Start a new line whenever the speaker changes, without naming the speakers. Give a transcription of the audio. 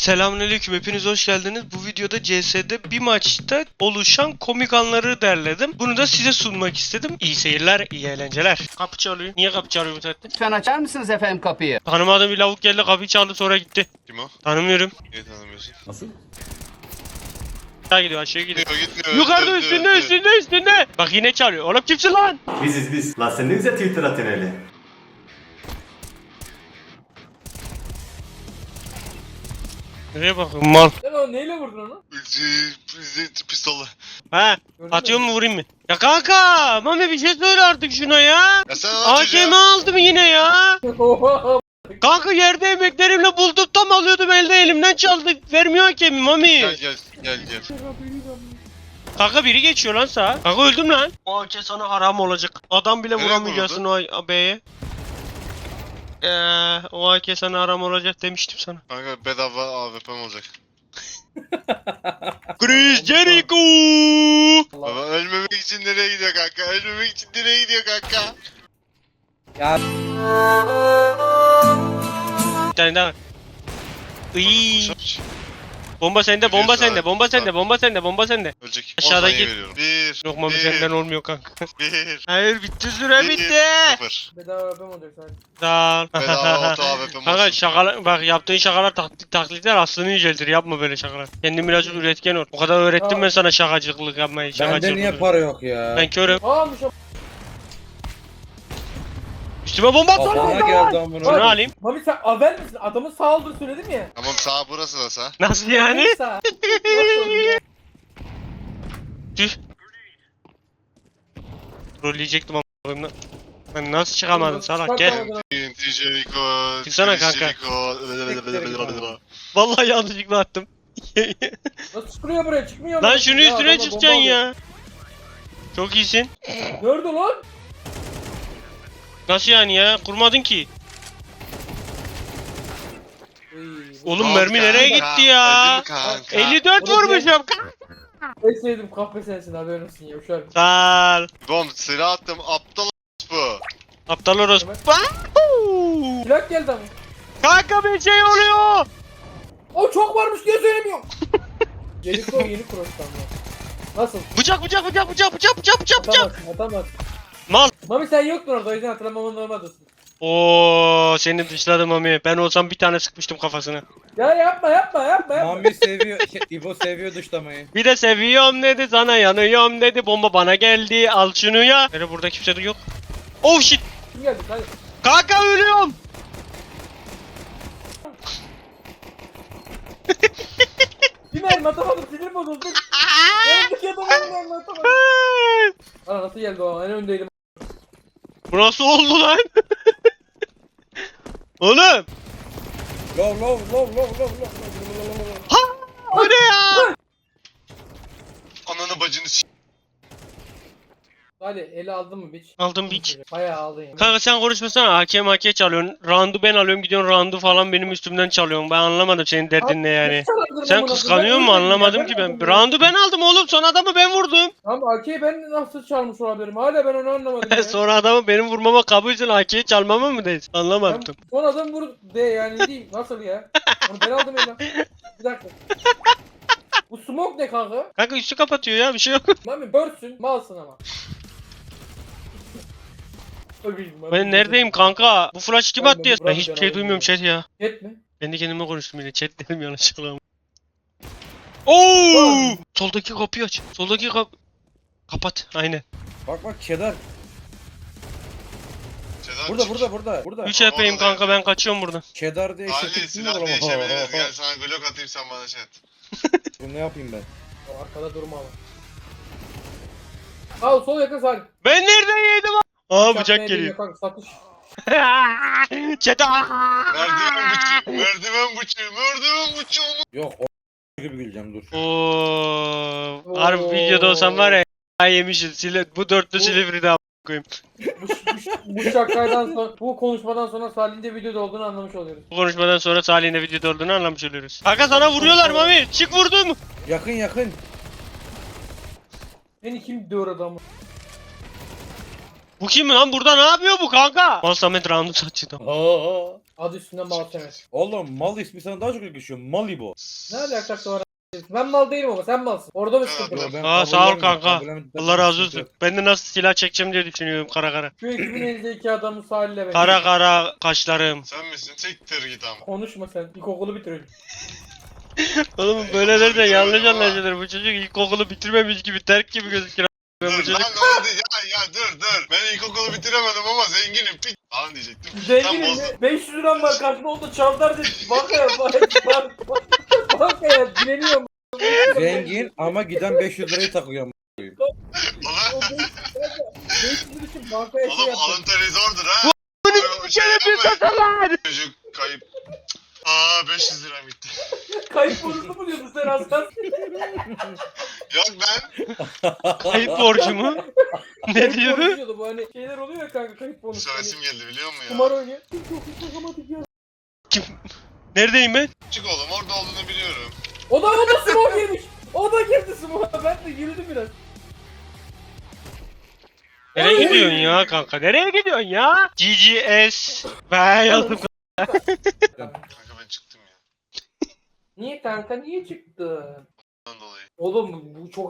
Selamünaleyküm, hepiniz hoş geldiniz. Bu videoda CS'de bir maçta oluşan komik anları derledim. Bunu da size sunmak istedim. İyi seyirler, iyi eğlenceler. Kapı çalıyor. Niye kapı çalıyor bu saatte?
Lütfen açar mısınız efendim kapıyı?
Tanımadığım bir lavuk geldi, kapıyı çaldı, sonra gitti.
Kim o?
Tanımıyorum.
Niye tanımıyorsun?
Nasıl?
Aşağı gidiyor, aşağı gidiyor.
Gitmiyor.
Yukarıda, üstünde. Bak yine çalıyor. Oğlum kimsin lan?
Biziz biz. La sen ne güzel Twitter atın hele.
Nereye bakıyorsun mal?
Sen o neyle vurdun onu?
Pistolla.
He. Atıyor mu vurayım mı? Ya kanka, Mami bir şey söyle artık şuna ya.
Ya sen anlat çocuğa.
AKM aldım yine ya. Kanka yerde emeklerimle buldum, tam alıyordum, elde elimden çaldı. Vermiyor hakemi Mami.
Gel.
Kanka biri geçiyor lan sağa. Kanka öldüm lan. O AK sana haram olacak. Adam bile
Nereye
vuramayacaksın o B'ye. O AK sana haram olacak demiştim sana.
Kanka bedava AWP'm olacak.
Chris Jericho.
Baba ölmemek için nereye gidiyor kanka? Ölmemek için nereye gidiyor kanka?
Bir tane daha. Iy. Bomba sende, bomba sende, bomba sende.
Ölecek.
Aşağıdaki-
10 saniye veriyorum. 1.
Yok Mami senden olmuyor kanka.
1.
Hayır bitti, süre bitti.
0.
Bedava yapam olacak sanki.
Sağ ol.
Bedava auto AWP'm
Kanka
olsun.
şakalar, bak yaptığın şakalar taklitler aslını yüceltir, yapma böyle şakalar. Kendin birazcık üretken ol. O kadar öğrettim ben sana şakacılık yapmayı.
Bende niye para yok ya?
Ben körüm.
Ağamış o.
Üstüme bomba at.
Kafama geldi amına.
Şunu alayım.
Mami sen avel misin? Adamın sağ olduğunu söyledim ya.
Tamam sağ burası da sağ.
Nasıl yani?
Sağ. Nasıl oluyor?
Tüh. Trolleyecektim ama. Ben nasıl çıkamadım salak, gel.
Çıkartamadın.
TNT Jericho.
Çıksana
Chris
kanka.
Jericho.
Vallahi yanlışlıkla attım.
Nasıl çıkıyor buraya? Çıkmıyor mu?
Lan şunu
Ya
üstüne
adama
çıkacaksın
bomba
ya. Çok iyisin.
alıyor. Nerede lan?
Nasıl yani ya? Kurmadın ki. Oğlum
Al
mermi nereye
kanka,
gitti ya?
öldüm kanka.
54
Orada
vurmuşum.
En sevdiğim kahve sensin, haberin olsun ya uşak.
Sağ ol.
Bom silah attım aptal bu.
Aptal orospu.
Evet.
Wahoo!
Silah geldi ama.
Kanka bir şey oluyor.
O çok varmış diye söylemiyorum. Jericho yeni cross'tan ya. Nasıl?
Bıçak.
Atamazsın.
Mal.
Mami sen yoktun orada, o yüzden hatırlamaman normaldesin.
Oo, seni dışladım Mami. Ben olsam bir tane sıkmıştım kafasına.
Ya yapma.
Mami seviyor, İbo seviyor dışlamayı.
Bir de seviyorum dedi, sana yanıyorum dedi. Bomba bana geldi. Al şunu ya. Böyle burada kimse de yok. Oh shit.
Kim geldi? Hadi.
Kanka ölüyorum.
Bir mermi atamadım, sinir bozuldu. Yanımdaki adamı bir mermi atamadım. Ana nasıl geldi o? En öndeydim.
Bu nasıl oldu lan? Oğlum.
Lov.
Ha! O ne ya?
Ananı bacını s***.
Hadi eli aldın mı biç?
Aldım biç.
Bayağı aldın ya.
Kanka sen konuşmasana. Hakem çalıyorsun. Round'u ben alıyorum, gidiyorsun round'u falan benim üstümden çalıyorsun. Ben anlamadım senin derdin ne yani. Sen kıskanıyor musun? Anlamadım ki ben. Round'u ben aldım oğlum. Son adamı ben vurdum.
Tamam AK'yi ben nasıl çalmış olabilirim? Hala ben onu anlamadım ya.
Sonra adamı benim vurmama kabulsün. AK'yi çalmama mı dedin? Anlamadım.
Ben son adam vur de yani ne diyeyim, nasıl ya? Onu ben aldım eline. Bir dakika. Bu smoke ne kanka?
Kanka üstü kapatıyor ya, bir şey yok.
Mami börsün, malsın ama.
Ben neredeyim kanka? Bu flash kim attı ya? Ben hiçbir şey duymuyorum chat ya.
Jet mi?
Kendi kendime konuştum yine. Chat dedim yanlışlıkla. Oo! Soldaki kapıyı aç. Kapat. Aynen.
Bak Kedar.
Sedan çık.
Burada.
3 HP'yim kanka, ben kaçıyorum buradan.
Kedar diye
Ali
eşitlik mi
silah
olur
değişebiliriz. Gel
ama?
sana glock atayım sen bana şey at.
Bu ne yapayım ben?
O arkada durma ama. Sağ sol yakın sağ.
Ben nereden yedim? Aa bıçak geliyor.
Kanka, satış.
Chat.
Merdiven bıçağı.
Yok o gibi güleceğim dur.
Oo. Harbi videoda olsam var ya, yemişiz. Bu dörtlü silivri de koyayım.
Bu şakaydan sonra, bu konuşmadan sonra Salih'in de videoda olduğunu anlamış oluyoruz.
Bu konuşmadan sonra Salih'in de videoda olduğunu anlamış oluyoruz. Kanka sana vuruyorlar Mami. Çık vurdum.
Yakın.
Beni kim diyor adamı?
Bu kim lan? Burada ne yapıyor bu kanka? Mal Samet roundu saçtı.
Aa.
Adı üstünde mal Samet.
Oğlum mal ismi sana daha çok yakışıyor. Malibu.
Ne alakası var? Ben mal değilim ama sen malsın. Orada bir sıkıntı var.
Ben
Aa, sağ ol
kabullenmiyorum,
kanka.
kabullenmiyorum.
Allah razı olsun. Ben de nasıl silah çekeceğim diye düşünüyorum kara kara.
Şu ekibin elinde iki adamın Salih'le ben.
Kara kara kaşlarım.
Sen misin? Siktir git ama.
Konuşma sen. İlkokulu bitiriyorum.
Oğlum böyleleri de yanlış anlaşılır. Bu çocuk ilkokulu bitirmemiş gibi terk gibi gözüküyor. Bu
Dur
çocuk
lan hadi ya dur. Ben ilkokulu bitiremedim ama zenginim pik falan diyecektim. Tam
Zenginim
bozdum.
mi? 500 liram var karşımda oldu çavdar dedi. Banka ya dileniyorum.
Zengin ama giden 500 lirayı takıyor.
Ulan,
500 lira için bankaya şey
oğlum
yaptım.
alın teri zordur ha.
bir kere bir tasalar.
Çocuk kayıp. Aa 500 lira bitti.
Kayıp bonusu mu diyordun sen aslan?
Yok ben
Kayıp borcu mu? Ne
Kayıp
diyordu?
bonusu diyordu bu hani şeyler oluyor ya kanka kayıp bonusu.
sövesim geldi biliyor musun ya?
Kumar oynuyor. Çok iyi takamadık ya.
Kim? Neredeyim ben?
Çık oğlum orada olduğunu biliyorum.
O da smoke girmiş. O da girdi smoke'a. Ben de yürüdüm biraz.
Nereye gidiyorsun ya kanka? Nereye gidiyorsun ya? GGS. Ben yazdım.
Kanka ben çıktım ya.
Niye kanka niye çıktı?
Ondan dolayı.
Oğlum bu çok